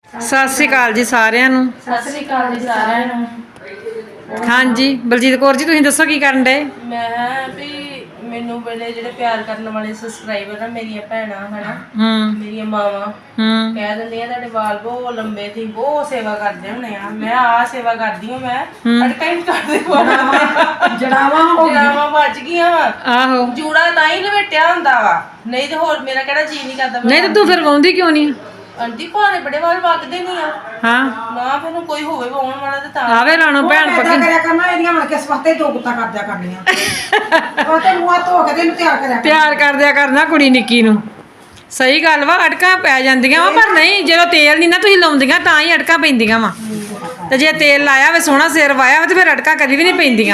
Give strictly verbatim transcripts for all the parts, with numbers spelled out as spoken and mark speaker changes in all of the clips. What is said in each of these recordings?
Speaker 1: ਸਤਿ ਸ਼੍ਰੀ ਅਕਾਲ ਜੀ ਸਾਰਿਆਂ ਨੂੰ।
Speaker 2: ਸਤਿ ਸ੍ਰੀ ਅਕਾਲ ਜੀ ਸਾਰਿਆਂ ਨੂੰ।
Speaker 1: ਹਾਂਜੀ ਬਲਜੀਤ ਕੌਰ ਜੀ, ਤੁਸੀਂ ਦੱਸੋ ਕੀ ਕਰਨ ਡਏ?
Speaker 2: ਮੈਂ ਵੀ ਮੈਨੂੰ ਬੜੇ ਜਿਹੜੇ ਪਿਆਰ ਕਰਨ ਵਾਲੇ ਸਬਸਕ੍ਰਾਈਬਰ ਆ, ਮੇਰੀਆਂ ਭੈਣਾਂ ਹਨਾ,
Speaker 1: ਹੂੰ
Speaker 2: ਮੇਰੀਆਂ ਮਾਵਾਂ
Speaker 1: ਹੂੰ
Speaker 2: ਕਹਿ ਦਿੰਦੀਆਂ ਤੁਹਾਡੇ ਵਾਲ ਬਹੁਤ ਲੰਬੇ, ਤੁਸੀਂ ਬਹੁਤ ਸੇਵਾ ਕਰਦੇ ਹੁੰਦੇ ਆ। ਮੈਂ ਆ ਸੇਵਾ ਕਰਦੀ ਹਾਂ, ਮੈਂ ਅਟਕਾ ਹੀ ਕਰਦੇ ਜੜਾਵਾਂ ਹੋ ਜੜਾਵਾਂ ਬਚ ਗਈਆਂ ਵਾ।
Speaker 1: ਆਹੋ
Speaker 2: ਜੂੜਾ ਤਾਂ ਹੀ ਲਵੇਟਿਆ ਹੁੰਦਾ ਵਾ, ਨਹੀਂ ਤੇ ਹੋਰ ਮੇਰਾ ਕਿਹੜਾ ਜੀ ਨਹੀਂ ਕਰਦਾ।
Speaker 1: ਨਹੀਂ ਤੇ ਤੂੰ ਫਿਰ ਵਾਉਂਦੀ ਕਿਉਂ ਨਹੀਂ?
Speaker 2: ਆਂਟੀ ਭਾਣੇ ਬੜੇ ਵਾਲ ਵਗਦੇ ਨਹੀਂ ਆ।
Speaker 1: ਹਾਂ
Speaker 2: ਨਾ ਫਿਰ ਕੋਈ ਹੋਵੇ ਵਾਉਣ ਵਾਲਾ ਤੇ ਤਾਂ
Speaker 1: ਆਵੇ ਰਾਣੋ ਭੈਣ
Speaker 3: ਪੱਕੀ ਕਰਿਆ ਕਰਨਾ, ਇਹਦੀਆਂ ਮਣ ਕੇ ਸਵਾਤੇ ਦੋ ਗੁੱਤਾ ਕਰਦਿਆ ਕਰਨੀਆਂ। ਉਹ ਤੇ ਮੂੰਹ ਧੋ ਕੇ ਤੈਨੂੰ ਤਿਆਰ ਕਰਿਆ
Speaker 1: ਪਿਆਰ ਕਰਦਿਆ ਕਰਨਾ ਕੁੜੀ ਨਿੱਕੀ ਨੂੰ। ਸਹੀ ਗੱਲ ਵਾ, ਅਟਕਾਂ ਪੈ ਜਾਂਦੀਆਂ ਵਾ, ਪਰ ਨਹੀਂ ਜਦੋਂ ਤੇਲ ਨਹੀਂ ਨਾ ਤੁਸੀਂ ਲਾਉਂਦੀਆਂ ਤਾਂ ਹੀ ਅਟਕਾਂ ਪੈਂਦੀਆਂ ਵਾ। ਤੇ ਜੇ ਤੇਲ ਲਾਇਆ ਵੇ, ਸੋਹਣਾ ਸਿਰ ਵਾਇਆ ਵਾ, ਤੇ ਫਿਰ ਅਟਕਾਂ ਕਦੀ ਵੀ ਨਹੀਂ ਪੈਂਦੀਆਂ।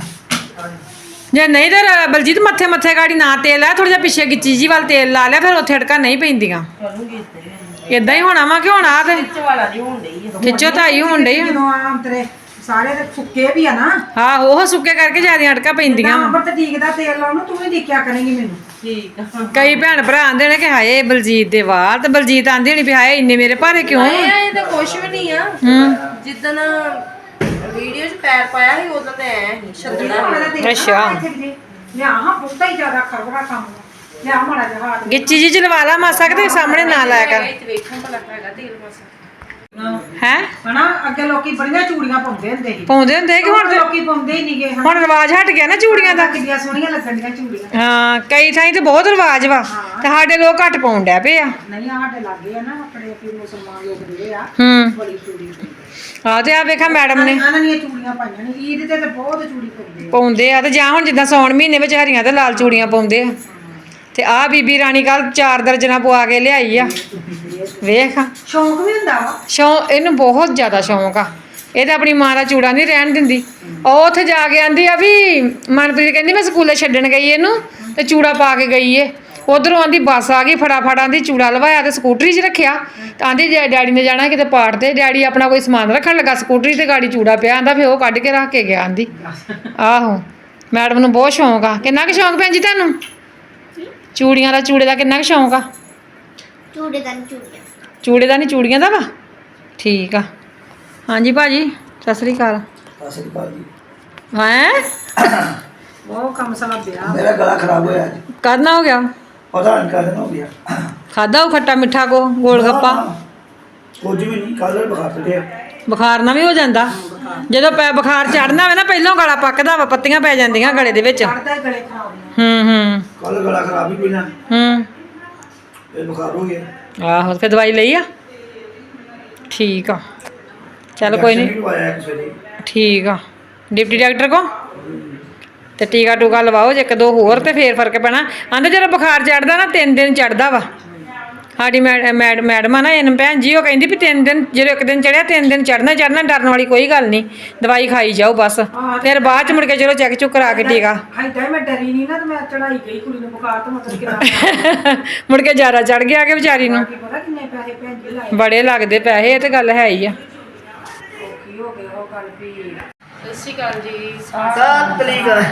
Speaker 1: ਜੇ ਨਹੀਂ ਤੇ ਬਲਜੀਤ ਮੱਥੇ ਮੱਥੇ ਗਾੜੀ ਨਾ ਤੇਲ ਆ, ਥੋੜਾ ਜਿਹਾ ਪਿੱਛੇ ਗਿੱਚੀ ਜੀ ਵੱਲ ਤੇਲ ਲਾ ਲਿਆ, ਫਿਰ ਉੱਥੇ ਅਟਕਾਂ ਨਹੀਂ ਪੈਂਦੀਆਂ।
Speaker 2: ਕਰੂੰਗੀ ਤੇ
Speaker 1: ਇਦਾਂ ਹੀ ਹੋਣਾ ਵਾ ਕਿ ਹੁਣ ਆ ਤੇ
Speaker 2: ਵਿੱਚ ਵਾਲਾ ਨਹੀਂ ਹੋਣ ਡਈ ਆ।
Speaker 1: ਖਿੱਚੋ ਤਾਈ ਹੋਣ ਡਈ ਆ।
Speaker 3: ਜਦੋਂ ਆਮ ਤੇਰੇ ਸਾਰੇ ਤੇ ਸੁੱਕੇ ਵੀ ਆ ਨਾ,
Speaker 1: ਹਾਂ ਉਹ ਸੁੱਕੇ ਕਰਕੇ ਜਿਆਦਾ ਅਟਕਾਂ ਪੈਂਦੀਆਂ ਵਾ।
Speaker 3: ਅੰਬਰ ਤੇ ਡੀਕਦਾ ਤੇਲ ਲਾਉਣ ਨੂੰ ਤੂੰ ਵੀ ਦੇਖਿਆ ਕਰੇਂਗੀ ਮੈਨੂੰ।
Speaker 2: ਠੀਕ ਆ।
Speaker 1: ਕਈ ਭੈਣ ਭਰਾ ਆਂਦੇ ਨੇ ਕਿ ਹਾਏ ਬਲਜੀਤ ਦੇ ਵਾਲ, ਤੇ ਬਲਜੀਤ ਆਂਦੀ ਹੋਣੀ ਵੀ ਹਾਏ ਇੰਨੇ ਮੇਰੇ ਭਾਰੇ ਕਿਉਂ?
Speaker 2: ਇਹ ਤਾਂ ਕੁਛ ਵੀ ਨਹੀਂ ਆ।
Speaker 1: ਹੂੰ
Speaker 2: ਜਿੱਦਣ ਵੀਡੀਓ 'ਚ ਪੈਰ ਪਾਇਆ ਸੀ ਉਦੋਂ ਤੇ ਐ ਸੀ ਛੱਡਣਾ।
Speaker 1: ਅੱਛਾ।
Speaker 3: ਲਿਆ ਹਾਂ ਬਹੁਤਾ ਹੀ ਜ਼ਿਆਦਾ ਖਰਬੜਾ ਕੰਮ ਲਿਆ ਮਾੜਾ ਜਿਹਾ ਹੱਥ
Speaker 1: ਗਿੱਚੀ ਜੀ ਚ ਲਵਾ ਲਾ ਮਾਸਾ ਕਿਤੇ ਸਾਹਮਣੇ ਨਾ ਲਾਇਆ ਕਰ।
Speaker 2: ਇੱਥੇ ਵੇਖਣ ਭਲਾ ਹੈਗਾ ਤੇਲ ਮਸਾ।
Speaker 1: ਹੈ
Speaker 3: ਹਨਾ। ਅੱਗੇ ਲੋਕੀ ਬੜੀਆਂ ਚੂੜੀਆਂ ਪਾਉਂਦੇ ਹੁੰਦੇ ਸੀ,
Speaker 1: ਪਾਉਂਦੇ ਹੁੰਦੇ ਕਿ ਹੁਣ ਤੇ
Speaker 3: ਲੋਕੀ ਪਾਉਂਦੇ ਹੀ ਨਹੀਂਗੇ।
Speaker 1: ਹੁਣ ਰਿਵਾਜ ਹਟ ਗਿਆ ਨਾ ਚੂੜੀਆਂ ਦਾ।
Speaker 3: ਕਿੰਨੀਆਂ ਸੋਹਣੀਆਂ ਲੱਗਣੀਆਂ ਚੂੜੀਆਂ।
Speaker 1: ਹਾਂ ਕਈ ਥਾਈਂ ਤੇ ਬਹੁਤ ਰਿਵਾਜ ਵਾ, ਤੇ ਸਾਡੇ ਲੋਕ ਘੱਟ ਪਾਉਣ ਡੈ ਪਏ ਆ।
Speaker 3: ਨਹੀਂ ਆ ਸਾਡੇ ਲਾਗੇ ਆ ਨਾ, ਆਪਣੇ ਪੀਰ ਮੁਸਲਮਾਨ ਲੋਕ ਜਿਹੜੇ ਆ,
Speaker 1: ਹੂੰ
Speaker 3: ਬੜੀ ਚੂੜੀ ਪਾਉਂਦੇ
Speaker 1: ਆ ਤੇ ਆ ਵੇਖਾ ਮੈਡਮ ਨੇ
Speaker 3: ਇਹਨਾਂ ਦੀਆਂ ਚੂੜੀਆਂ ਪਾਈਆਂ ਨੇ। ਈਦ ਤੇ ਤਾਂ ਬਹੁਤ ਚੂੜੀ ਪਾਉਂਦੇ ਆ।
Speaker 1: ਪਾਉਂਦੇ ਆ, ਤੇ ਜਾਂ ਹੁਣ ਜਿੱਦਾਂ ਸੌਣ ਮਹੀਨੇ ਵਿੱਚ ਹਰੀਆਂ ਤੇ ਲਾਲ ਚੂੜੀਆਂ ਪਾਉਂਦੇ ਆ। ਤੇ ਆ ਬੀਬੀ ਰਾਣੀ ਕੱਲ ਚਾਰ ਦਰਜਨਾਂ ਪਵਾ ਕੇ ਲਿਆਈ ਆ। ਵੇਖ
Speaker 3: ਸ਼ੌਂਕ ਵੀ ਹੁੰਦਾ ਵਾ।
Speaker 1: ਸ਼ੌਂਕ ਇਹਨੂੰ ਬਹੁਤ ਜ਼ਿਆਦਾ ਸ਼ੌਂਕ ਆ। ਇਹ ਤਾਂ ਆਪਣੀ ਮਾਂ ਦਾ ਚੂੜਾ ਨਹੀਂ ਰਹਿਣ ਦਿੰਦੀ। ਉਹ ਉੱਥੇ ਜਾ ਕੇ ਆਂਦੀ ਆ ਵੀ ਮਨਪ੍ਰੀਤ ਕਹਿੰਦੀ ਮੈਂ ਸਕੂਲੇ ਛੱਡਣ ਗਈ ਇਹਨੂੰ, ਤੇ ਚੂੜਾ ਪਾ ਕੇ ਗਈ ਏ। ਉਧਰੋਂ ਆਂਦੀ ਬੱਸ ਆ ਗਈ, ਫਟਾਫਟ ਆਂਦੀ ਚੂੜਾ ਲਵਾਇਆ ਤੇ ਸਕੂਟਰੀ 'ਚ ਰੱਖਿਆ। ਤਾਂ ਆਂਦੀ ਡੈਡੀ ਨੇ ਜਾਣਾ ਕਿਤੇ ਪਾੜ ਤੇ, ਡੈਡੀ ਆਪਣਾ ਕੋਈ ਸਮਾਨ ਰੱਖਣ ਲੱਗਾ, ਸਕੂਟਰੀ ਤੇ ਗਾੜੀ ਚੂੜਾ ਪਿਆ। ਆਂਦਾ ਫਿਰ ਉਹ ਕੱਢ ਕੇ ਰੱਖ ਕੇ ਗਿਆ। ਆਂਦੀ ਆਹੋ ਮੈਡਮ ਨੂੰ ਬਹੁਤ ਸ਼ੌਂਕ ਆ। ਕਿੰਨਾ ਕੁ ਸ਼ੌਂਕ ਭੈਣ ਜੀ ਤੁਹਾਨੂੰ ਚੂੜੀਆਂ ਦਾ? ਚੂੜੇ ਦਾ ਕਿੰਨਾ ਕੁ ਸ਼ੌਂਕ ਆ?
Speaker 4: ਚੂੜੇ ਦਾ ਨਹੀਂ ਚੂੜੀਆਂ
Speaker 1: ਚੂੜੇ ਦਾ ਨਹੀਂ ਚੂੜੀਆਂ ਦਾ ਵਾ। ਠੀਕ ਆ। ਹਾਂਜੀ ਭਾਜੀ ਸਤਿ ਸ੍ਰੀ ਅਕਾਲ।
Speaker 5: ਸਤਿ ਸ਼੍ਰੀ ਅਕਾਲ ਜੀ।
Speaker 1: ਹੈਂ
Speaker 3: ਬਹੁਤ ਕੰਮ ਸਾਲਾ ਵਿਆਹ
Speaker 5: ਮੇਰਾ ਗਲਾ ਖਰਾਬ ਹੋਇਆ ਅੱਜ,
Speaker 1: ਕਰਨਾ ਹੋ ਗਿਆ?
Speaker 5: ਪਤਾ ਨਹੀਂ ਕਦੋਂ ਹੋ ਗਿਆ।
Speaker 1: ਖਾਦਾ ਉਹ ਖੱਟਾ ਮਿੱਠਾ ਕੋ ਗੋਲ ਗੱਪਾ?
Speaker 5: ਕੁਝ ਵੀ ਨਹੀਂ, ਕੱਲ ਬੁਖਾਰ ਚੜਿਆ।
Speaker 1: ਬੁਖਾਰ ਨਾਲ ਵੀ ਹੋ ਜਾਂਦਾ। ਜਦੋਂ ਪੈ ਬੁਖਾਰ ਚੜਨਾ ਹੋਵੇ ਨਾ, ਪਹਿਲਾਂ ਗਲਾ ਪੱਕਦਾ ਵਾ, ਪੱਤੀਆਂ ਪੈ ਜਾਂਦੀਆਂ ਗਲੇ ਦੇ ਵਿੱਚ।
Speaker 3: ਚੜਦਾ ਗਲੇ ਖਰਾਬ ਨੇ।
Speaker 1: ਹੂੰ ਹੂੰ
Speaker 5: ਕੱਲ ਗਲਾ ਖਰਾਬ ਹੀ ਪਹਿਲਾਂ,
Speaker 1: ਹੂੰ
Speaker 5: ਫਿਰ ਬੁਖਾਰ ਹੋ ਗਿਆ।
Speaker 1: ਆਹੋ ਫਿਰ ਦਵਾਈ ਲਈ ਆ? ਠੀਕ ਆ ਚੱਲ ਕੋਈ ਨਹੀਂ।
Speaker 5: ਇੰਜੈਕਸ਼ਨ ਵੀ ਲਵਾਇਆ ਕਿਸੇ ਨੇ।
Speaker 1: ਠੀਕ ਆ ਡਿਪਟੀ ਡਾਕਟਰ ਕੋ ਤੇ ਟੀਕਾ ਟੂਕਾ ਲਵਾਓ ਜੇ ਇੱਕ ਦੋ ਹੋਰ, ਤੇ ਫੇਰ ਫਰਕ ਪੈਣਾ। ਆਂਦੇ ਜਦੋਂ ਬੁਖਾਰ ਚੜਦਾ ਨਾ ਤਿੰਨ ਦਿਨ ਚੜਦਾ ਵਾ। ਸਾਡੀ ਮੈਡ ਮੈਡਮ ਆ ਨਾ ਇਹਨ ਭੈਣ ਜੀ, ਉਹ ਕਹਿੰਦੀ ਵੀ ਤਿੰਨ ਦਿਨ ਜਦੋਂ ਇੱਕ ਦਿਨ ਚੜਿਆ ਤਿੰਨ ਦਿਨ ਚੜਨਾ ਚੜਨਾ, ਡਰਨ ਵਾਲੀ ਕੋਈ ਗੱਲ ਨਹੀਂ। ਦਵਾਈ ਖਾਈ ਜਾਓ ਬਸ, ਫਿਰ ਬਾਅਦ ਚ ਮੁੜ ਕੇ ਚਲੋ ਚੈੱਕ ਚੁੱਕ ਕਰਾ ਕੇ ਟੀਕਾ।
Speaker 3: ਹਾਈਦਾ ਮੈਂ ਡਰੀ ਨਹੀਂ ਨਾ, ਤੇ ਮੈਂ ਚੜਾਈ ਗਈ ਕੁੜੀ ਨੂੰ ਬੁਖਾਰ ਤੋਂ ਮਤਲਬ ਕਿੰਨਾ
Speaker 1: ਮੁੜ ਕੇ ਜ਼ਿਆਦਾ ਚੜ ਗਿਆ ਕਿ ਵਿਚਾਰੀ ਨੂੰ।
Speaker 3: ਪਤਾ ਕਿੰਨੇ ਪੈਸੇ ਭੈਣ ਜੀ ਲਾਏ।
Speaker 1: ਬੜੇ ਲੱਗਦੇ ਪੈਸੇ, ਇਹ ਤੇ ਗੱਲ ਹੈ ਹੀ ਆ।
Speaker 3: ਔਖੀ ਹੋ ਗਈ ਉਹ ਗੱਲ ਵੀ।
Speaker 2: ਸਤਿ ਸ਼੍ਰੀ ਅਕਾਲ ਜੀ।
Speaker 5: ਸਤਿ ਸ਼੍ਰੀ ਅਕਾਲ।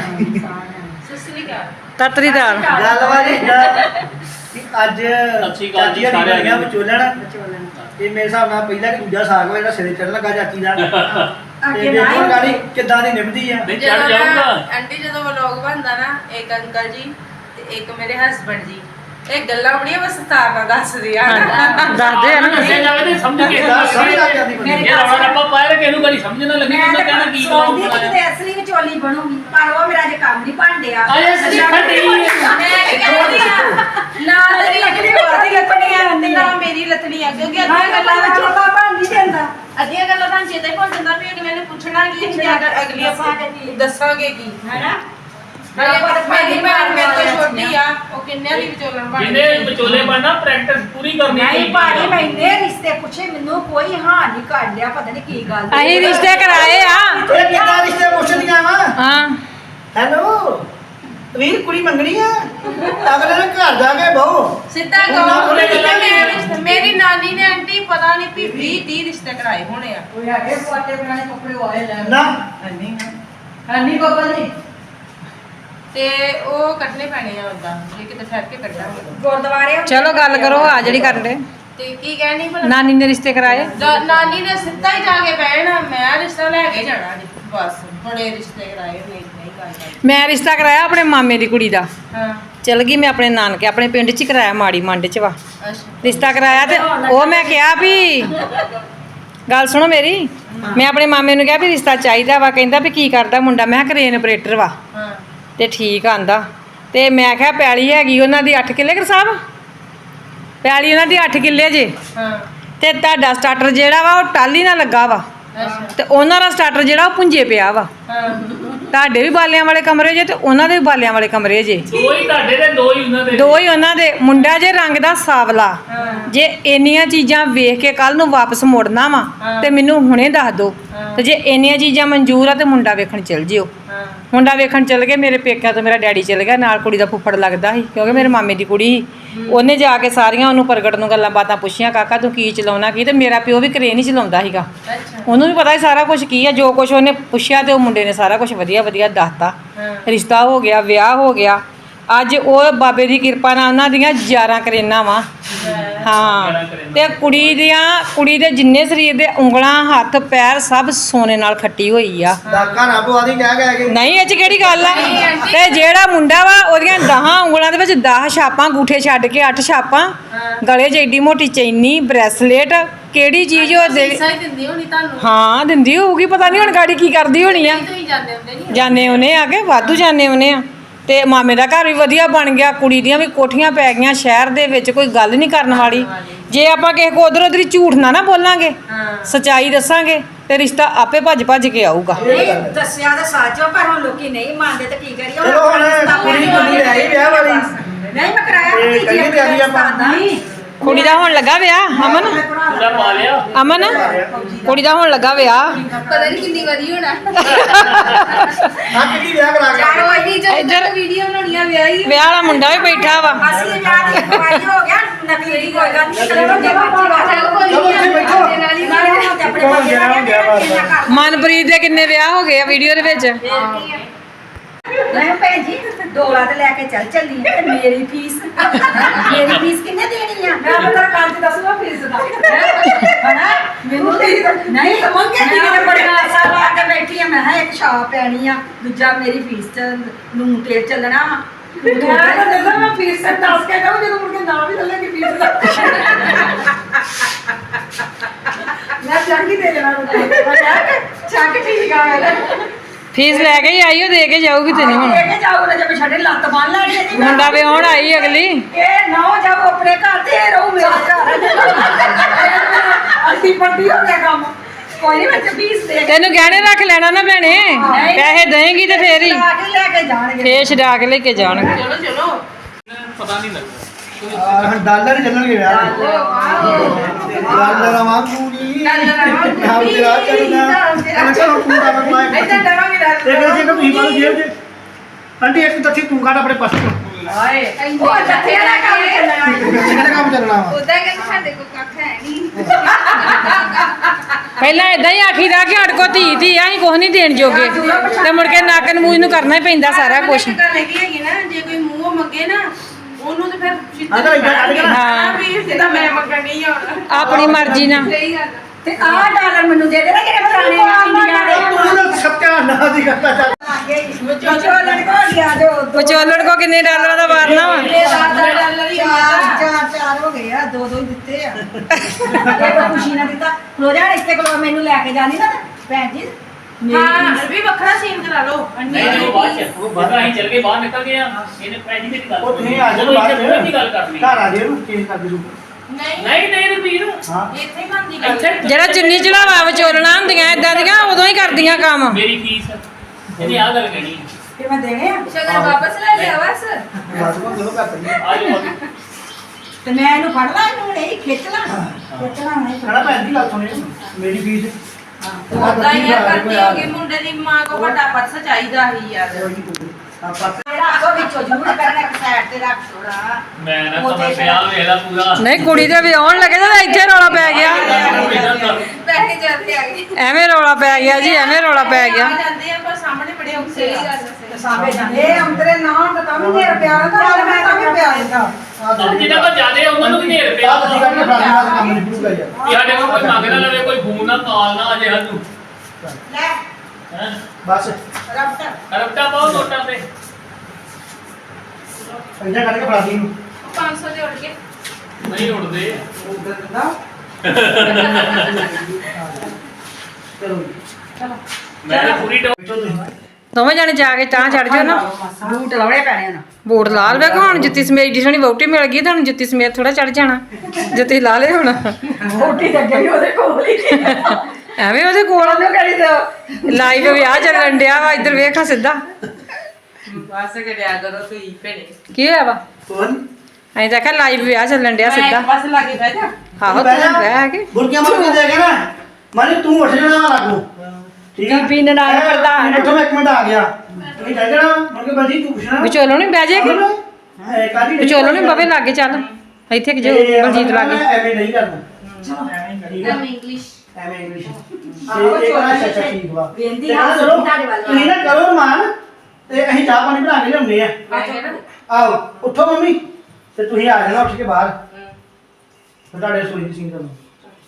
Speaker 2: ਸਤਿ ਸ਼੍ਰੀ ਅਕਾਲ।
Speaker 1: ਤਤਰੀ ਦਾਲ
Speaker 5: ਗੱਲਬਾਤ ਇਦਾਂ ਕਿ ਅੱਜ ਚਾਚੀ ਆ ਗਿਆ ਵਿਚੋਲਣ, ਤੇ ਮੇਰੇ ਹਿਸਾਬ ਨਾਲ ਪਹਿਲਾਂ ਕਿ ਦੂਜਾ ਸਾਗ ਹੋਇਆ ਸਿਰੇ ਚੜਨ ਲੱਗਾ ਚਾਚੀ ਦਾ। ਤੇ ਦੇਖੋ ਗਾੜੀ ਕਿੱਦਾਂ ਦੀ ਨਿਭਦੀ ਆ।
Speaker 2: ਚੜ ਜਾਊਗਾ ਆਂਟੀ ਜਦੋਂ ਵਲੌਗ ਬਣਦਾ ਨਾ, ਇੱਕ ਅੰਕਲ ਜੀ ਤੇ ਇੱਕ ਮੇਰੇ ਹਸਬੰਡ ਜੀ, ਇਹ ਗੱਲਾਂ ਬੜੀਆਂ ਬਸ ਤਾਰਨਾ ਦੱਸਦੀ ਆ।
Speaker 1: ਦੱਸਦੇ ਆ ਨਾ।
Speaker 6: ਦੱਸਿਆ ਜਾਵੇ ਤੇ ਸਮਝ ਕੇ ਦੱਸ
Speaker 5: ਸਮਝ ਲੱਗ ਜਾਂਦੀ ਬੰਦੇ
Speaker 6: ਇਹ ਰੌਲਾ ਰੱਪਾ ਪਾਇਆ ਕਿ ਇਹਨੂੰ ਕਦੀ ਸਮਝ ਨਾ ਲੱਗੀ ਬੰਦਾ ਕਹਿਣਾ ਕੀ
Speaker 3: ਸੋਚਦੀ ਕਿ
Speaker 6: ਕਰਾਂ
Speaker 3: ਕਿਤੇ ਅਸਲੀ ਵਿਚੋਲੀ ਬਣੂਗੀ, ਪਰ ਉਹ ਮੇਰਾ ਜੇ ਕੰਮ ਨਹੀਂ ਬਣਦਿਆ।
Speaker 6: ਅਰੇ ਸੱਚੀ ਖੱਟੀ
Speaker 2: ਮੈਂ ਕੀ ਕਹਿੰਦੀ ਆ, ਨਾ ਤੇਰੀ ਲੱਕੜੀ
Speaker 3: ਉਹਦੀ ਲੱਕੜੀ ਆ ਹੁੰਦੀ ਆ।
Speaker 2: ਨਾ ਮੇਰੀ ਲੱਤੜੀ ਆ, ਕਿਉਂਕਿ
Speaker 3: ਹਾਂ
Speaker 2: ਅੱਧੀਆਂ
Speaker 3: ਗੱਲਾਂ
Speaker 2: ਗੱਲਾਂ
Speaker 3: ਵਿੱਚ
Speaker 2: ਵਿੱਚ
Speaker 3: ਉਹਦਾ ਬਣ ਨਹੀਂ ਜਾਂਦਾ।
Speaker 2: ਅੱਧੀਆਂ ਗੱਲਾਂ ਤਾਂ ਚੇਤਾ ਹੀ ਭੁੱਲ ਜਾਂਦਾ ਵੀ ਅਗਲੇ ਨੇ ਪੁੱਛਣਾ ਕੀ ਹੈ, ਜਾਂ ਅਗਲੀ ਆਪਾਂ ਦੱਸਾਂਗੇ ਕੀ ਹੈਨਾ। ਮੇਰੀ ਭੈਣ ਮੇਰੇ ਤੋਂ ਛੋਟੀ ਆ, ਉਹ ਕਿੰਨਿਆਂ ਦੀ ਵਿਚੋਲਣ ਬਣ
Speaker 6: ਜਿਹਨੇ ਵਿਚੋਲੇ ਬਣਨਾ ਪ੍ਰੈਕਟਿਸ ਪੂਰੀ ਕਰਨੀ
Speaker 3: ਨਹੀਂ ਭਾਜੀ, ਮੈਂ ਇੰਨੇ ਰਿਸ਼ਤੇ ਪੁੱਛੇ, ਮੈਨੂੰ ਕੋਈ ਹਾਂ ਨਹੀਂ ਕਰ ਲਿਆ। ਪਤਾ ਨਹੀਂ ਕੀ ਗੱਲ।
Speaker 1: ਅਸੀਂ ਰਿਸ਼ਤੇ ਕਰਾਏ ਆ।
Speaker 5: ਇਹ ਕਿੱਦਾਂ ਰਿਸ਼ਤੇ ਪੁੱਛਦੀਆਂ ਵਾ?
Speaker 1: ਹਾਂ
Speaker 5: ਹੈਲੋ ਵੀਰ, ਕੁੜੀ ਮੰਗਣੀ ਆ, ਅਗਲੇ ਨੇ ਘਰ ਜਾ ਕੇ ਬਹੁ
Speaker 2: ਸਿੱਧਾ ਕਹੋ ਮੈਂ ਮੇਰੀ ਨਾਨੀ ਨੇ ਆਂਟੀ ਪਤਾ ਨਹੀਂ ਵੀ ਵੀਹ ਤੀਹ ਰਿਸ਼ਤੇ ਕਰਾਏ ਹੋਣੇ ਆ।
Speaker 3: ਉਹ ਹੈਗੇ ਪੁਆਟੇ ਬਣਾਏ ਕੱਪੜੇ ਵਾਲੇ ਲੈ
Speaker 5: ਨਾ
Speaker 3: ਨਹੀਂ ਨਹੀਂ ਬਾਬਾ ਜੀ।
Speaker 2: ਤੇ ਉਹ ਕੱਢਨੇ ਪੈਣੇ ਆ ਉਦਾਂ, ਜੇ ਕਿਤੇ ਠਹਿਰ ਕੇ ਕੱਢਾਂਗੇ।
Speaker 3: ਗੁਰਦੁਆਰੇ
Speaker 1: ਚਲੋ ਗੱਲ ਕਰੋ ਆ ਜਿਹੜੀ ਕਰਨ ਦੇ।
Speaker 2: ਤੇ ਕੀ ਕਹਿਣੀ ਭਲਾ
Speaker 1: ਨਾਨੀ ਨੇ ਰਿਸ਼ਤੇ ਕਰਾਏ
Speaker 2: ਦਾ- ਨਾਨੀ ਨੇ ਸਿੱਧਾ ਹੀ ਜਾ ਕੇ ਬਹਿਣਾ ਮੈਂ ਰਿਸ਼ਤਾ ਲੈ ਕੇ ਜਾਣਾ ਜੀ ਬਸ ਬੜੇ ਰਿਸ਼ਤੇ ਕਰਾਏ ਨਹੀਂ ਨਹੀਂ ਗੱਲ ਕਰਨੀ।
Speaker 1: ਮੈਂ ਰਿਸ਼ਤਾ ਕਰਾਇਆ ਆਪਣੇ ਮਾਮੇ ਦੀ ਕੁੜੀ ਦਾ
Speaker 2: ਹਾਂ
Speaker 1: ਚਲ ਗਈ ਮੈਂ ਆਪਣੇ ਨਾਨਕੇ ਆਪਣੇ ਪਿੰਡ 'ਚ ਹੀ ਕਰਾਇਆ ਮਾੜੀ ਮੰਡ 'ਚ ਵਾ
Speaker 2: ਅੱਛਾ
Speaker 1: ਰਿਸ਼ਤਾ ਕਰਾਇਆ ਤੇ ਉਹ ਮੈਂ ਕਿਹਾ ਵੀ ਗੱਲ ਸੁਣੋ ਮੇਰੀ ਮੈਂ ਆਪਣੇ ਮਾਮੇ ਨੂੰ ਕਿਹਾ ਵੀ ਰਿਸ਼ਤਾ ਚਾਹੀਦਾ ਵਾ ਕਹਿੰਦਾ ਵੀ ਕੀ ਕਰਦਾ ਮੁੰਡਾ ਮੈਂ ਕਿਹਾ ਕਰੇਨ ਆਪਰੇਟਰ ਵਾ
Speaker 2: ਹਾਂ
Speaker 1: ਤੇ ਠੀਕ ਆਂਦਾ ਤੇ ਮੈਂ ਕਿਹਾ ਪੈਲੀ ਹੈਗੀ ਉਹਨਾਂ ਦੀ ਅੱਠ ਕਿੱਲੇ ਕਰ ਸਾਹਿਬ ਪੈਲੀ ਉਹਨਾਂ ਦੀ ਅੱਠ ਕਿੱਲੇ ਜੇ
Speaker 2: ਹਾਂ
Speaker 1: ਤੇ ਤੁਹਾਡਾ ਸਟਾਰਟਰ ਜਿਹੜਾ ਵਾ ਉਹ ਟਾਲੀ ਨਾਲ ਲੱਗਾ ਵਾ
Speaker 2: ਅੱਛਾ
Speaker 1: ਤੇ ਉਹਨਾਂ ਦਾ ਸਟਾਰਟਰ ਜਿਹੜਾ ਉਹ ਪੁੰਜੇ ਪਿਆ ਵਾ
Speaker 2: ਹਾਂ
Speaker 1: ਤੁਹਾਡੇ ਵੀ ਬਾਲਿਆਂ ਵਾਲੇ ਕਮਰੇ ਜੇ ਤੇ ਉਹਨਾਂ ਦੇ ਵੀ ਬਾਲਿਆਂ ਵਾਲੇ ਕਮਰੇ ਜੇ
Speaker 6: ਦੋ ਹੀ ਤੁਹਾਡੇ ਤੇ ਦੋ ਹੀ ਉਹਨਾਂ ਦੇ
Speaker 1: ਦੋ ਹੀ ਉਹਨਾਂ ਦੇ ਮੁੰਡਾ ਜੇ ਰੰਗ ਦਾ ਸਾਵਲਾ
Speaker 2: ਹਾਂ
Speaker 1: ਜੇ ਇੰਨੀਆਂ ਚੀਜ਼ਾਂ ਵੇਖ ਕੇ ਕੱਲ ਨੂੰ ਵਾਪਸ ਮੁੜਨਾ ਵਾ
Speaker 2: ਹਾਂ।
Speaker 1: ਤੇ ਮੈਨੂੰ ਹੁਣੇ ਦੱਸ ਦਿਓ
Speaker 2: ਹਾਂ।
Speaker 1: ਤੇ ਜੇ ਇੰਨੀਆਂ ਚੀਜ਼ਾਂ ਮਨਜ਼ੂਰ ਆ ਤੇ ਮੁੰਡਾ ਵੇਖਣ ਚਲ ਜਿਓ
Speaker 2: ਹਾਂ
Speaker 1: ਮੁੰਡਾ ਵੇਖਣ ਚਲ ਗਏ ਮੇਰੇ ਪੇਕਿਆਂ ਤੋਂ ਮੇਰਾ ਡੈਡੀ ਚਲ ਗਿਆ ਨਾਲ ਕੁੜੀ ਦਾ ਫੁੱਫੜ ਲੱਗਦਾ ਸੀ ਕਿਉਂਕਿ ਮੇਰੇ ਮਾਮੇ ਦੀ ਕੁੜੀ ਸੀ ਉਹਨੇ ਜਾ ਕੇ ਸਾਰੀਆਂ ਉਹਨੂੰ ਪ੍ਰਗਟ ਨੂੰ ਗੱਲਾਂ ਬਾਤਾਂ ਪੁੱਛੀਆਂ ਕਾਕਾ ਤੂੰ ਕੀ ਚਲਾਉਣਾ ਕੀ ਤੇ ਮੇਰਾ ਪਿਓ ਵੀ ਕਰੇਨ ਹੀ ਚਲਾਉਂਦਾ ਸੀਗਾ
Speaker 2: ਅੱਛਾ
Speaker 1: ਉਹਨੂੰ ਵੀ ਪਤਾ ਸੀ ਸਾਰਾ ਕੁਝ ਕੀ ਆ ਜੋ ਕੁਝ ਉਹਨੇ ਪੁੱਛਿਆ ਤੇ ਉਹ ਮੁੰਡੇ ਨੇ ਸਾਰਾ ਕੁਝ ਵਧੀਆ ਵਧੀਆ ਦੱਸਤਾ
Speaker 2: ਹਾਂ
Speaker 1: ਰਿਸ਼ਤਾ ਹੋ ਗਿਆ ਵਿਆਹ ਹੋ ਗਿਆ ਅੱਜ ਉਹ ਬਾਬੇ ਦੀ ਕਿਰਪਾ ਨਾਲ ਉਹਨਾਂ ਦੀਆਂ ਗਿਆਰਾਂ ਕਰੇਨਾਂ ਵਾ ਹਾਂ ਤੇ ਕੁੜੀ ਦੀਆਂ ਕੁੜੀ ਦੇ ਜਿੰਨੇ ਸਰੀਰ ਦੇ ਉਂਗਲਾਂ ਹੱਥ ਪੈਰ ਸਭ ਸੋਨੇ ਨਾਲ ਖੱਟੀ ਹੋਈ ਆ
Speaker 5: ਦਾਕਾ ਨਾ ਪਵਾ ਦੀ ਕਹਿ ਕਹਿ ਕੇ
Speaker 1: ਨਹੀਂ ਇਹ ਚ ਕਿਹੜੀ ਗੱਲ ਆ ਤੇ ਜਿਹੜਾ ਮੁੰਡਾ ਵਾ ਉਹਦੀਆਂ ਦਹਾਂ ਉਂਗਲਾਂ ਦੇ ਵਿੱਚ ਦਸ ਛਾਪਾਂ ਗੂਠੇ ਛੱਡ ਕੇ ਅੱਠ ਛਾਪਾਂ ਗਲੇ 'ਚ ਏਡੀ ਮੋਟੀ ਚੈਨੀ ਬ੍ਰੈਸਲੇਟ ਕਿਹੜੀ ਚੀਜ਼ ਉਹ ਦੇ
Speaker 2: ਪੈਸਾ ਹੀ ਦਿੰਦੀ ਹੋਣੀ ਤੁਹਾਨੂੰ
Speaker 1: ਹਾਂ ਦਿੰਦੀ ਹੋਊਗੀ ਪਤਾ ਨਹੀਂ ਹੁਣ ਗਾੜੀ ਕੀ ਕਰਦੀ ਹੋਣੀ ਆ
Speaker 2: ਤੁਸੀਂ ਜਾਂਦੇ ਹੁੰਦੇ ਨਹੀਂ
Speaker 1: ਜਾਣੇ ਉਹਨੇ ਆ ਕੇ ਵਾਧੂ ਜਾਣੇ ਉਹਨੇ ਆ ਤੇ ਮਾਮੇ ਦਾ ਘਰ ਵੀ ਵਧੀਆ ਬਣ ਗਿਆ ਕੁੜੀ ਦੀਆਂ ਵੀ ਕੋਠੀਆਂ ਪੈ ਗਈਆਂ ਸ਼ਹਿਰ ਦੇ ਵਿੱਚ ਕੋਈ ਗੱਲ ਨਹੀਂ ਕਰਨ ਵਾਲੀ ਜੇ ਆਪਾਂ ਕਿਸੇ ਕੋ ਉਧਰ ਉਧਰ ਝੂਠ ਨਾ ਨਾ ਬੋਲਾਂਗੇ
Speaker 2: ਹਾਂ
Speaker 1: ਸਚਾਈ ਦੱਸਾਂਗੇ ਤੇ ਰਿਸ਼ਤਾ ਆਪੇ ਭੱਜ ਭੱਜ ਕੇ ਆਊਗਾ
Speaker 3: ਨਹੀਂ ਦੱਸਿਆ ਤਾਂ ਸੱਚ ਵਾ, ਪਰ ਹੁਣ ਲੋਕੀ ਨਹੀਂ ਮੰਨਦੇ ਤੇ ਕੀ ਕਰੀਏ
Speaker 5: ਚਲੋ ਹੁਣ ਕੁੜੀ ਕੁੜੀ ਲੈ ਆਈ ਵਿਆਹ ਵਾਲੀ
Speaker 3: ਨਹੀਂ ਮੈਂ ਕਰਾਇਆ
Speaker 5: ਇਹ
Speaker 3: ਭਤੀਜੀ
Speaker 5: ਕਰੀਏ ਤਿਆਰੀ ਆਪਾਂ।
Speaker 3: ਨਹੀਂ
Speaker 1: ਕੁੜੀ ਦਾ ਹੁਣ ਲੱਗਾ ਵਿਆਹ ਅਮਨ
Speaker 6: ਪੂਰਾ ਪਾ ਲਿਆ
Speaker 1: ਅਮਨ ਕੁੜੀ ਦਾ ਹੁਣ ਲੱਗਾ ਵਿਆਹ
Speaker 2: ਪਤਾ ਨਹੀਂ ਕਿੰਨੀ ਵਾਰੀ ਹੋਣਾ
Speaker 5: ਹੱਕ ਕੀ ਵਿਆਹ ਕਰਾ ਕੇ
Speaker 2: ਚਲੋ ਇੰਨੀ
Speaker 1: ਇੱਧਰ-
Speaker 2: ਜਦੋਂ ਵੀਡੀਓ ਬਣਾਉਣੀ ਆ ਵਿਆਹ ਹੀ
Speaker 1: ਵਿਆਹ ਵਾਲਾ ਮੁੰਡਾ ਵੀ ਬੈਠਾ ਵਾ
Speaker 3: ਅਸੀਂ ਵਿਆਹ ਦੀ ਖਵਾਈ ਹੋ ਗਿਆ ਨਕਲੀ ਦੀ ਕੋਈ ਗੱਲ ਨਹੀਂ ਚਲੋ ਜੇ
Speaker 5: ਚਲੋ ਉੱਥੇ ਬੈਠੋ
Speaker 3: ਆਪਣੇ ਬੰਦੇ ਨਾਲ ਕਹਿੰਦੇ
Speaker 1: ਮਨਪ੍ਰੀਤ ਦੇ ਕਿੰਨੇ ਵਿਆਹ ਹੋ ਗਏ ਆ ਵੀਡੀਓ ਦੇ ਵਿੱਚ
Speaker 3: ਮੈਂ ਭੈਣ ਜੀ ਡੋਲਾ ਤੇ ਲੈ ਕੇ ਚੱਲ ਚੱਲੀ ਆ ਤੇ ਮੇਰੀ ਫੀਸ ਮੇਰੀ ਫੀਸ ਕਿੰਨੇ ਦੇਣੀ ਆ ਮੈਂ ਬਤਾ ਕੱਲ ਤੇ ਦੱਸੂਗਾ ਫੀਸ ਦਾ ਹਨਾ ਮੈਨੂੰ ਨਹੀਂ ਤਾਂ ਮੰਗੇ ਕਿ ਮੈਂ ਬੜੇ ਆਸਾ ਲਾ ਕੇ ਬੈਠੀ ਆ ਮੈਂ ਹਾਂ ਇੱਕ ਛਾਪ ਪੈਣੀ ਆ ਦੂਜਾ ਮੇਰੀ ਫੀਸ ਚ ਨੂੰ ਤੇਲ ਚੱਲਣਾ ਵਾ ਮੈਂ ਤਾਂ ਜਦੋਂ ਮੈਂ ਫੀਸ ਤੇ ਦੱਸ ਕੇ ਕਹੂੰ ਜਦੋਂ ਮੁੜ ਕੇ ਨਾ ਵੀ ਲੱਲੇਗੀ ਫੀਸ ਦਾ ਮੈਂ ਚੰਗੀ ਦੇ ਦੇਣਾ ਚੱਕ ਠੀਕ ਆ ਮੈਂ
Speaker 1: ਫੀਸ ਲੈ ਕੇ ਹੀ ਆਈ ਉਹ ਦੇ ਕੇ ਜਾਊਗੀ ਤੈਨੂੰ ਹੁਣ
Speaker 3: ਲੈ ਕੇ ਜਾਓ ਨਾ ਜਦ ਛੱਡੇ ਲੱਤ ਬੰਨ ਲੈਣੀ ਇਹਦੀ ਮੈਂ।
Speaker 1: ਮੁੰਡਾ ਵਿਆਹੁਣ ਆਈ ਅਗਲੀ
Speaker 3: ਇਹ ਨਾ ਜਾਓ ਆਪਣੇ ਘਰ ਤੇ ਇਹ ਰਹੋ ਮੇਰੇ ਘਰ ਅਸੀਂ ਪੱਟੀ ਹੋ ਗਿਆ ਕੰਮ ਕੋਈ ਨਹੀਂ ਬੱਚੇ ਫੀਸ ਦੇ ਕੇ
Speaker 1: ਤੈਨੂੰ ਗਹਿਣੇ ਰੱਖ ਲੈਣਾ ਨਾ ਭੈਣੇ ਪੈਸੇ ਦੇਂਗੀ ਤੇ ਫੇਰ ਹੀ
Speaker 3: ਲਾ ਕੇ ਲੈ ਕੇ ਜਾਣਗੇ
Speaker 1: ਫੇਰ ਛਡਾ ਕੇ ਲੈ ਕੇ ਜਾਣਗੇ
Speaker 2: ਚਲੋ ਚਲੋ
Speaker 6: ਪਤਾ ਨਹੀਂ ਲੱਗਾ
Speaker 5: ਆਹ ਡਾਲਰ ਚੱਲਣਗੇ ਵਿਆਹ ਦੇ ਡਾਲਰ ਵਾਂਗੂਗੀ ਨਾਮ ਤੇਰਾ ਚੱਲਣਾ ਚਲੋ ਤੂੰ ਦਾ ਮੈਂ
Speaker 2: ਇੱਥੇ ਡਰਾਂਗੇ ਡਰ
Speaker 5: ਇੱਕ ਜੇ ਤੁਸੀਂ ਮਾਰੋ ਜੇਬ ਦੇ ਆਂਟੀ ਇੱਕ ਤੱਥੀ ਤੂੰ ਕਾਟ ਆਪਣੇ ਪਾਸੇ
Speaker 2: ਹਾਏ
Speaker 3: ਉਹ ਜੱਥੇ ਵਾਲਾ ਕੰਮ ਚੱਲਣਾ
Speaker 5: ਕਿਹੜਾ ਕੰਮ ਚੱਲਣਾ ਵਾ
Speaker 2: ਉਹਦਾ ਕਹਿੰਦੇ ਸਾਡੇ ਕੋਲ ਕੱਖ ਹੈ ਨਹੀਂ
Speaker 1: ਪਹਿਲਾਂ ਇਦਾਂ ਹੀ ਆਖੀਦਾ ਕਿ ਸਾਡੇ ਕੋ ਧੀ ਧੀ ਆ ਅਸੀਂ ਕੁਝ ਨਹੀਂ ਦੇਣ ਜੋਗੇ ਤੇ ਮੁੜ ਕੇ ਨੱਕ ਨਮੂਜ ਨੂੰ ਕਰਨਾ ਹੀ ਪੈਂਦਾ ਸਾਰਾ ਕੁਝ
Speaker 2: ਇੱਕ ਗੱਲ ਹੈਗੀ ਹੈਗੀ ਨਾ ਜੇ ਕੋਈ ਮੂੰਹੋਂ ਮੰਗੇ ਨਾ ਉਹਨੂੰ ਤੇ ਫਿਰ
Speaker 5: ਹਾਂ ਤਾਂ ਇੱਦਾਂ ਕੱਢ ਕੇ ਨਾ
Speaker 1: ਹਾਂ
Speaker 2: ਵੀ ਜਿੱਦਾਂ ਮੈਂ ਮੰਗਣ ਨਹੀਂ ਆਉਣਾ
Speaker 1: ਆਪਣੀ ਮਰਜ਼ੀ ਨਾਲ
Speaker 2: ਸਹੀ ਗੱਲ
Speaker 3: ਤੇ ਆਹ ਡਾਲਰ ਮੈਨੂੰ ਦੇ ਦੇਣਾ ਜਿਹੜੇ ਪੁਰਾਣੇ ਆ ਇੰਡੀਆ ਦੇ
Speaker 5: ਤੂੰ ਤਾਂ ਸੱਤਿਆ ਨਾ ਦੀ ਕਰਦਾ ਚੱਲ
Speaker 3: ਵਿਚੋਲਣ ਕੋ ਗਿਆ ਜੋ
Speaker 1: ਵਿਚੋਲਣ ਕੋ ਕਿੰਨੇ ਡਾਲਰਾਂ ਦਾ ਵਾਰਨਾ ਵਾ
Speaker 2: ਇਹ ਦਾਦਾ ਡਾਲਰ ਹੀ
Speaker 3: ਚਾਰ ਚਾਰ ਚਾਰ ਹੋ ਗਏ ਆ ਦੋ ਦੋ ਹੀ ਦਿੱਤੇ ਆ ਇਹ ਖੁਸ਼ੀ ਨਾਲ ਦਿੱਤਾ ਖਲੋ ਜਾ ਰਿਸ਼ਤੇ ਕੋਲ ਮੈਨੂੰ ਲੈ ਕੇ ਜਾਣੀ ਨਾ ਭੈਣ ਜੀ
Speaker 2: ਹਾਂ ਵੀ ਵੱਖਰਾ ਸੀਨ ਕਰਾ ਲਓ
Speaker 6: ਨਹੀਂ ਨਹੀਂ ਉਹ ਬਾਅਦ ਚ ਉਹ ਬਾਅਦ ਅਸੀਂ ਚੱਲ ਕੇ ਬਾਹਰ ਨਿਕਲ ਗਏ ਆ ਇਹਨੇ ਪੈਜੀ ਦੀ ਗੱਲ
Speaker 5: ਉਹ ਤੁਸੀਂ ਆ ਜਾਓ
Speaker 6: ਚਲੋ
Speaker 5: ਬਾਹਰ
Speaker 6: ਇੱਥੇ ਦੀ ਗੱਲ ਕਰਨੀ
Speaker 5: ਘਰ ਆ ਜੇ ਨੂੰ ਕੇਸ ਕਰ ਦੇ ਤੂੰ
Speaker 2: ਨਹੀਂ
Speaker 6: ਨਹੀਂ ਨਹੀਂ ਰਵੀਰ
Speaker 5: ਹਾਂ
Speaker 2: ਇੱਥੇ ਬੰਦੀ
Speaker 6: ਇੱਥੇ
Speaker 1: ਜਿਹੜਾ ਚੁੰਨੀ ਚੜਾਵਾ ਵਿਚੋਲਣਾ ਹੁੰਦੀਆਂ ਇਦਾਂ ਦੀਆਂ ਉਦੋਂ ਹੀ ਕਰਦੀਆਂ ਕੰਮ
Speaker 6: ਮੇਰੀ ਫੀਸ ਇਹਨੇ ਆ ਗੱਲ ਕਹਿਣੀ
Speaker 3: ਫਿਰ ਮੈਂ ਦੇਣੇ ਆ
Speaker 2: ਸ਼ਗਨ ਵਾਪਸ ਲੈ ਲਿਆ ਬਸ
Speaker 5: ਬਸ ਕੋ ਜਦੋਂ ਘਰ ਚੱਲੀ
Speaker 6: ਆ ਜਾਓ
Speaker 3: ਤੇ ਮੈਂ ਇਹਨੂੰ ਫੜ ਲਾਂ ਇਹਨੂੰ ਨਹੀਂ ਖਿੱਚ ਲਾਂ ਖਿੱਚਣਾ ਨਹੀਂ
Speaker 5: ਖੜਾ ਭੈਣ ਦੀ ਗੱਲ ਸੁਣੇ ਮੇਰੀ ਫੀਸ
Speaker 2: ਉਦਾਂ ਹੀ ਆ ਕਰਦੀ ਹੋਗੀ ਮੁੰਡੇ ਦੀ ਮਾਂ ਕੋ ਵੱਡਾ ਪਰਸ ਚਾਹੀਦਾ ਹੀ ਯਾਰ
Speaker 5: ਆਪਾਂ
Speaker 3: ਰੱਖੋ ਵਿੱਚੋਂ ਜ਼ਰੂਰ ਕਰਨਾ ਇੱਕ ਸਾਈਡ ਤੇ ਰੱਖ ਛੋੜਾ
Speaker 6: ਮੈਂ ਨਾ ਸਮਝ ਪਿਆ ਵੇਲਾ ਪੂਰਾ
Speaker 1: ਨਹੀਂ ਕੁੜੀ ਦੇ ਵਿਆਹਣ ਲੱਗੇ ਤਾਂ ਇੱਥੇ ਰੌਲਾ ਪੈ ਗਿਆ
Speaker 2: ਪੈਸੇ ਜਾਂਦੇ ਆ ਗਏ
Speaker 1: ਐਵੇਂ ਰੌਲਾ ਪੈ ਗਿਆ ਜੀ ਐਵੇਂ ਰੌਲਾ ਪੈ ਗਿਆ
Speaker 2: ਜਾਂਦੇ ਆ ਪਰ ਸਾਹਮਣੇ ਬੜੇ ਔਖੇ ਆ
Speaker 3: ਸਾਂਭੇ ਜਾਂਦੇ ਇਹ ਅੰਤਰੇ ਨਾ ਹੁੰਦਾ ਤਾਂ ਵੀ ਨੇਰ ਪਿਆਰ ਤਾਂ ਚੱਲ ਮੈਂ ਤਾਂ ਵੀ ਪਿਆਰ ਦਾ
Speaker 6: ਜਿੰਨਾ ਕੋ ਜ਼ਿਆਦੇ ਉਹਨਾਂ ਨੂੰ ਵੀ ਨੇਰ ਪਿਆ
Speaker 5: ਆਹ ਤੁਸੀਂ ਕਰਕੇ ਫੜਾ ਲਿਆ ਕੰਮ ਨਹੀਂ ਸ਼ੁਰੂ ਕਰਿਆ
Speaker 6: ਕਿ ਸਾਡੇ ਕੋਲ ਕੋਈ ਮੰਗ ਨਾ ਲਵੇ ਕੋਈ ਫੋਨ ਨਾ ਕਾਲ ਨਾ ਅਜੇ ਸਾਨੂੰ
Speaker 2: ਲੈ
Speaker 6: ਹੈ
Speaker 5: ਬਸ
Speaker 2: ਰਫਟਰ
Speaker 6: ਰਫਟਾ ਪਾਓ ਨੋਟਾਂ ਤੇ
Speaker 5: ਇੰਨਾ ਕਰਕੇ ਫੜਾ ਦੀ ਨੂੰ
Speaker 2: ਪੰਜ ਸੌ ਦੇ ਉੱਡ ਕੇ
Speaker 6: ਨਹੀਂ ਉੜਦੇ
Speaker 5: ਚਲੋ
Speaker 6: ਮੈਂ ਤਾਂ ਪੂਰੀ ਟੋ-
Speaker 5: ਬੈਠੋ ਤੁਸੀਂ
Speaker 1: ਦੋਵੇਂ ਜਾਣੇ ਜਾ ਕੇ ਤਾਂ ਚੜ ਜਾਓ ਨਾ
Speaker 3: ਬੂਟ ਲਾਉਣੇ ਪੈਣੇ ਨਾ
Speaker 1: ਬੂਟ ਲਾ ਲਵੇ ਹੁਣ ਜੁੱਤੀ ਸਮੇਤ ਏਡੀ ਸੋਹਣੀ ਵਹੁਟੀ ਮਿਲ ਗਈ ਤੁਹਾਨੂੰ ਜੁੱਤੀ ਸਮੇਤ ਥੋੜਾ ਚੜ ਜਾਣਾ ਜੁੱਤੀ ਲਾ ਲੈ ਹੁਣ
Speaker 3: ਮੋਟੀ ਲੱਗੇ ਵੀ ਉਹਦੇ ਕੋਲ ਹੀ
Speaker 1: ਐਵੇਂ ਉਹਦੇ ਕੋਲ
Speaker 3: ਉਹਨੂੰ ਕਰੀ ਦਿਓ
Speaker 1: ਲਾਈਵ ਵਿਆਹ ਚੱਲਣ ਡਿਆ ਵਾ ਇੱਧਰ ਵੇਖਾ ਸਿੱਧਾ
Speaker 2: ਬਸ ਕਰਿਆ ਕਰੋ ਤੁਸੀਂ ਭੇੜੇ
Speaker 1: ਕੀ ਹੋਇਆ ਵਾ
Speaker 5: ਕੌਣ
Speaker 1: ਐਂ ਦੇਖਿਆ ਲਾਈਵ ਵਿਆਹ ਚੱਲਣ ਡਿਆ ਸਿੱਧਾ
Speaker 2: ਬਸ ਲਾਗੇ ਬਹਿ ਜਾ
Speaker 1: ਆਹੋ ਤੂੰ ਬਹਿ ਕੇ
Speaker 5: ਬੁਰਕੀਆਂ ਮਾਰ ਕੇ ਦੇ ਗਿਆ ਨਾ ਮਾਨੀ ਤੂੰ ਉੱਠ ਜਾਣਾ ਲੱਗੋ ਠੀਕ ਹੈ
Speaker 3: ਬੀਬੀ ਨਨਾਣ
Speaker 5: ਇਹ
Speaker 3: ਪ੍ਰਧਾਨ।
Speaker 5: ਉੱਠੋ ਮੈਂ ਇੱਕ ਮਿੰਟ ਆ ਗਿਆ ਤੁਸੀਂ ਕਹਿ ਦੇਣਾ ਮੁੜ ਕੇ ਬਲਜੀਤ ਤੂੰ ਪੁੱਛਣਾ
Speaker 1: ਵਿਚੋਲੋ ਨਹੀਂ ਬਹਿ ਜੇ ਕਿ
Speaker 5: ਇਹ ਕਾਹਦੀ
Speaker 1: ਵਿਚੋਲੋ ਨਹੀਂ ਬਵੇ ਲਾਗੇ ਚੱਲ ਇੱਥੇ ਕਿ ਜੋ
Speaker 5: ਇਹ
Speaker 1: ਬਲਜੀਤ ਲਾਗੇ
Speaker 5: ਐਵੇਂ ਨਹੀਂ ਕਰਨਾ ਠੀਕ ਹੈ
Speaker 2: ਇੰਗਲਿਸ਼
Speaker 5: ਐਵੇਂ ਇੰਗਲਿਸ਼ ਤੇ ਇਹ ਕਰਾ ਅੱਛਾ ਅੱਛਾ ਠੀਕ ਵਾ
Speaker 3: ਬੇਨਤੀ
Speaker 5: ਤੇ
Speaker 3: ਆ,
Speaker 5: ਚਲੋ
Speaker 3: ਤੁਹਾਡੇ ਵੱਲ।
Speaker 5: ਤੁਸੀਂ ਨਾ ਕਰੋ ਮਾਨ ਤੇ ਅਸੀਂ ਚਾਹ ਪਾਣੀ ਬਣਾ ਕੇ ਲਿਆਉਂਦੇ ਆ ਆਓ ਉੱਠੋ ਮੰਮੀ ਤੇ ਤੁਸੀਂ ਆ ਜਾਣਾ ਉੱਠ ਕੇ ਬਾਹਰ ਤੇ ਤੁਹਾਡੇ ਸੋਈ ਦੀ ਸੀਨ ਕਰੋ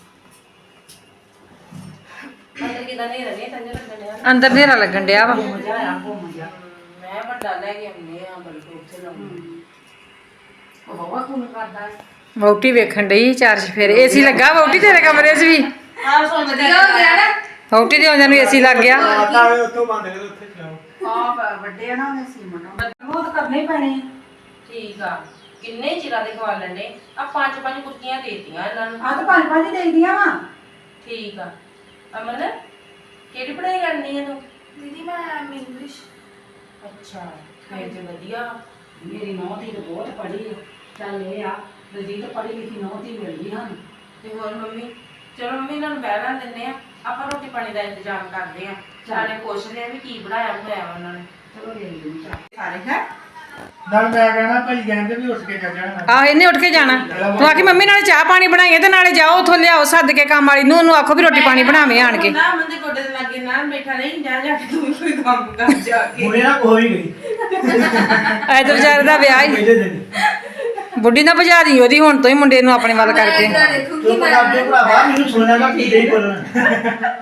Speaker 2: ਅੰਦਰ ਕਿਦਾਂ ਨਹੀਂ ਰਹੇ ਤੰਜ ਲੱਗਣੇ
Speaker 1: ਅੰਦਰ ਹਨੇਰਾ ਲੱਗਣ ਡਿਆ ਵਾ
Speaker 3: ਮਜ਼ਾ ਆਇਆ ਬਹੁਤ ਮਜ਼ਾ
Speaker 2: ਮੈਂ ਵੱਡਾ ਲੈ ਕੇ ਆਉਂਦੇ ਆ ਬਲਕਿ ਉੱਥੇ ਲਾਉਂਦੇ
Speaker 3: ਉਹ ਬਹੁਤ ਕੁਨ ਕਰਦਾ ਹੈ
Speaker 1: ਵਹੁਟੀ ਵੇਖਣ ਡਈ ਚਾਰ ਚਫੇਰੇ ਏਸੀ ਲੱਗਾ ਵਹੁਟੀ ਤੇਰੇ ਕਮਰੇ 'ਚ ਵੀ
Speaker 2: ਆਹ ਸੋ ਵਧੀਆ ਹੋ ਗਿਆ ਨਾ
Speaker 1: ਵਹੁਟੀ ਦੇ ਆਉਂਦਿਆਂ ਨੂੰ ਏਸੀ ਲੱਗ ਗਿਆ
Speaker 5: ਉੱਥੋਂ ਬੰਦ ਕਰੋ ਉੱਥੇ ਚਲਾਓ
Speaker 3: ਹਾਂ ਬ- ਵੱਡੇ ਆ ਨਾ ਉਹਨੇ ਸੀਮਨ ਉਹ ਤਾਂ ਕਰਨੇ ਹੀ ਪੈਣੇ ਆ
Speaker 2: ਠੀਕ ਆ ਕਿੰਨੇ ਚਿਰਾਂ ਦੇ ਖਵਾ ਲੈਣੇ ਆ ਪੰਜ ਪੰਜ ਕੁਰਕੀਆਂ ਦੇਤੀਆਂ ਇਹਨਾਂ ਨੂੰ
Speaker 3: ਆ ਤਾਂ ਪੰਜ ਪੰਜ ਹੀ ਦੇਈਦੀਆਂ ਵਾ
Speaker 2: ਠੀਕ ਆ ਅਮਨ ਕਿਹੜੀ ਪੜ੍ਹਾਈ ਕਰਨੀ ਹੈ ਤੂੰ
Speaker 4: ਦੀਦੀ ਮੈਂ ਇੰਗਲਿਸ਼
Speaker 2: ਅੱਛਾ ਫੇਰ ਤੇ ਵਧੀਆ
Speaker 3: ਮੇਰੀ ਨੌਂ ਦੀ ਤਾਂ ਬਹੁਤ ਪੜ੍ਹੀ ਹੈ ਚੱਲ ਇਹ ਆ ਦਲਜੀਤ ਪੜ੍ਹੀ ਲਿਖੀ ਨੌਂ ਦੀ ਮਿਲ ਗਈ ਹਨ
Speaker 2: ਤੇ ਹੋਰ ਮੰਮੀ ਚਲੋ ਮੰਮੀ ਇਹਨਾਂ ਨੂੰ ਬਹਿਣਾ ਦਿੰਦੇ ਆ ਆਪਾਂ ਰੋਟੀ ਪਾਣੀ ਦਾ ਇੰਤਜ਼ਾਮ ਕਰਦੇ ਆ ਸਾਰੇ ਪੁੱਛਦੇ ਆ ਵੀ ਕੀ ਬਣਾਇਆ ਬਣਾਇਆ ਉਹਨਾਂ ਨੇ
Speaker 3: ਚਲੋ ਲੈ ਲਈ ਚਾਹ
Speaker 2: ਸਾਰੇ ਹੈ
Speaker 5: ਨਾਲ ਮੈਂ ਕਹਿਣਾ ਭਾਈ ਕਹਿੰਦੇ ਵੀ ਉੱਠ ਕੇ ਚੱਲ ਜਾਣਾ
Speaker 1: ਆਹ ਇਹਨੇ ਉੱਠ ਕੇ ਜਾਣਾ ਤੂੰ ਆਖੀ ਮੰਮੀ ਨਾਲੇ ਚਾਹ ਪਾਣੀ ਬਣਾਈਏ ਤੇ ਨਾਲੇ ਜਾਓ ਉੱਥੋਂ ਲਿਆਓ ਸੱਦ ਕੇ ਕੰਮ ਵਾਲੀ ਨੂੰ ਉਹਨੂੰ ਆਖੋ ਵੀ ਰੋਟੀ ਪਾਣੀ ਬਣਾਵੇ ਆਣ ਕੇ
Speaker 2: ਨਾ ਅਮਨ ਦੇ ਗੋਡੇ ਦੇ ਲਾਗੇ ਨਾ ਬੈਠਾ ਨਹੀਂ ਜਾ ਜਾ ਕੇ ਤੂੰ ਵੀ ਕੋਈ ਕੰਮ ਕਰ ਜਾ ਕੇ
Speaker 5: ਹੁਣੇ ਨਾ ਕੋਈ ਗਈ
Speaker 1: ਐ ਤੇ ਵਿਚਾਰੇ ਦਾ ਵਿਆਹ ਹੀ
Speaker 5: ਪਹਿਲੇ ਦਿਨ
Speaker 1: ਬੁੱਢੀ ਨਾ ਭਜਾ ਦੀ ਉਹਦੀ ਹੁਣ ਤੋਂ ਹੀ ਮੁੰਡੇ ਨੂੰ ਆਪਣੇ ਵੱਲ ਕਰਕੇ
Speaker 5: ਤੂੰ ਪੰਜਾਬ ਦੇ ਭਰਾਵਾ ਮੈਨੂੰ ਸੁਣਿਆ ਨਾ ਕੀ ਨਹੀਂ ਬੋਲਣਾ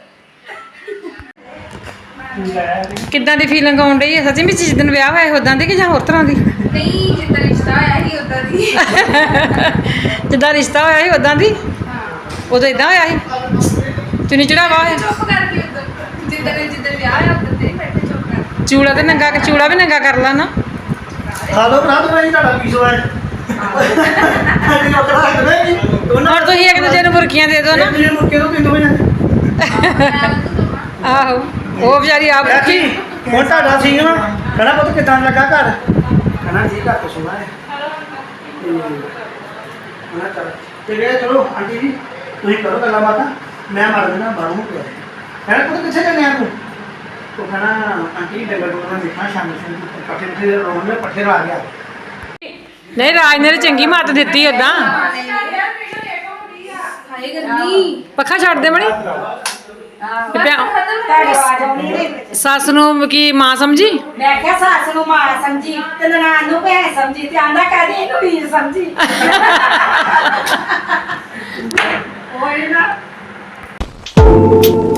Speaker 1: ਕਿੱਦਾਂ ਦੀ ਫੀਲਿੰਗ ਆਉਣ ਡਈ ਹੈ ਸੱਚੀ ਵਿੱਚ ਜਿਸ ਦਿਨ ਵਿਆਹ ਹੋਇਆ ਉਦਾਂ ਦੀ ਕਿ ਜਾਂ ਹੋਰ ਤਰ੍ਹਾਂ ਦੀ
Speaker 4: ਨਹੀਂ ਜਿੱਦਾਂ ਰਿਸ਼ਤਾ ਆਇਆ ਸੀ ਉਦਾਂ ਦੀ
Speaker 1: ਜਿੱਦਾਂ ਰਿਸ਼ਤਾ ਹੋਇਆ ਸੀ ਉਦਾਂ ਦੀ ਉਦੋਂ ਇਦਾਂ ਹੋਇਆ ਸੀ ਚੁੰਨੀ ਚੜਾਵਾ ਹੋਇਆ
Speaker 4: ਚੁੱਪ ਕਰਕੇ ਉਦਾਂ ਜਿੱਦਾਂ ਜਿੱਦਾਂ ਵਿਆਹ ਆ ਉਦਾਂ ਤੇ ਬੈਠੇ ਚੁੱਪ ਕਰਕੇ
Speaker 1: ਚੂੜਾ ਤੇ ਨੰਗਾ ਚੂੜਾ ਵੀ ਨੰਗਾ ਕਰ ਲਾ ਨਾ
Speaker 5: ਖਾ ਲਓ ਭਰਾ ਤੂੰ ਤੁਹਾਡਾ ਕੀ ਸੋਇਆ ਅੱਜ ਨਾ ਕਰਾ ਸਕਦੇ ਨਹੀਂ
Speaker 1: ਹੁਣ ਤੁਸੀਂ ਇੱਕ ਦੂਜੇ ਨੂੰ ਬੁਰਕੀਆਂ ਦੇ ਦਿਓ ਨਾ
Speaker 5: ਤੁਸੀਂ ਮੁੱਕੇ ਤੋਂ ਕਿੰਨੇ ਵਜੇ
Speaker 1: ਆਹੋ ਉਹ ਵਿਚਾਰੀ ਆਪ
Speaker 5: ਕੀ ਹੁਣ ਤੁਹਾਡਾ ਸੀ ਨਾ ਕਹਣਾ ਪੁੱਤ ਕਿਦਾਂ ਲੱਗਾ ਘਰ ਕਹਣਾ ਜੀ ਘਰ ਤੋਂ ਸੋਣਾ ਹੈ ਤੇ ਉਹਨਾਂ ਕਰ ਤੇ ਗਏ ਚਲੋ ਆਂਟੀ ਜੀ ਤੁਸੀਂ ਕਰੋ ਗੱਲਾਂ ਬਾਤਾਂ ਮੈਂ ਮਾਰ ਦੇਣਾ ਬਾਹਰੋਂ ਪਿਆ ਹੈ ਪੁੱਤ ਕਿੱਥੇ ਚੱਲੇ ਆ ਤੂੰ ਉਹ ਕਹਣਾ ਆਂਟੀ ਡੰਗਰ ਡੰਗਰ ਮੈਂ ਦੇਖਣਾ ਸ਼ਾਮ ਨੂੰ ਪੱਠੇ ਤੇ ਰੋਣ ਦੇ ਪੱਠੇ ਲਾ ਗਿਆ
Speaker 1: ਨਹੀਂ ਰਾਜ ਨੇ ਤਾਂ ਚੰਗੀ ਮੱਤ ਦਿੱਤੀ ਉਦਾਂ
Speaker 4: ਹਾਏ ਗਰਮੀ
Speaker 1: ਪੱਖਾ ਛੱਡ ਦੇ ਬਣੀ ਤੇ ਪਿਆ-
Speaker 3: ਤੁਹਾਡੀ ਆਵਾਜ਼ ਆਉਣੀ ਨਹੀਂ
Speaker 1: ਸੱਸ ਨੂੰ ਕੀ ਮਾਂ ਸਮਝੀ
Speaker 3: ਮੈਂ ਕਿਹਾ ਸੱਸ ਨੂੰ ਮਾਂ ਸਮਝੀ ਤੇ ਨਨਾਣ ਨੂੰ ਭੈਣ ਸਮਝੀ ਤੇ ਆਂਦਾ ਕਦੀ ਇਹਨੂੰ ਵੀਰ ਸਮਝੀ ਉਹ ਨਾ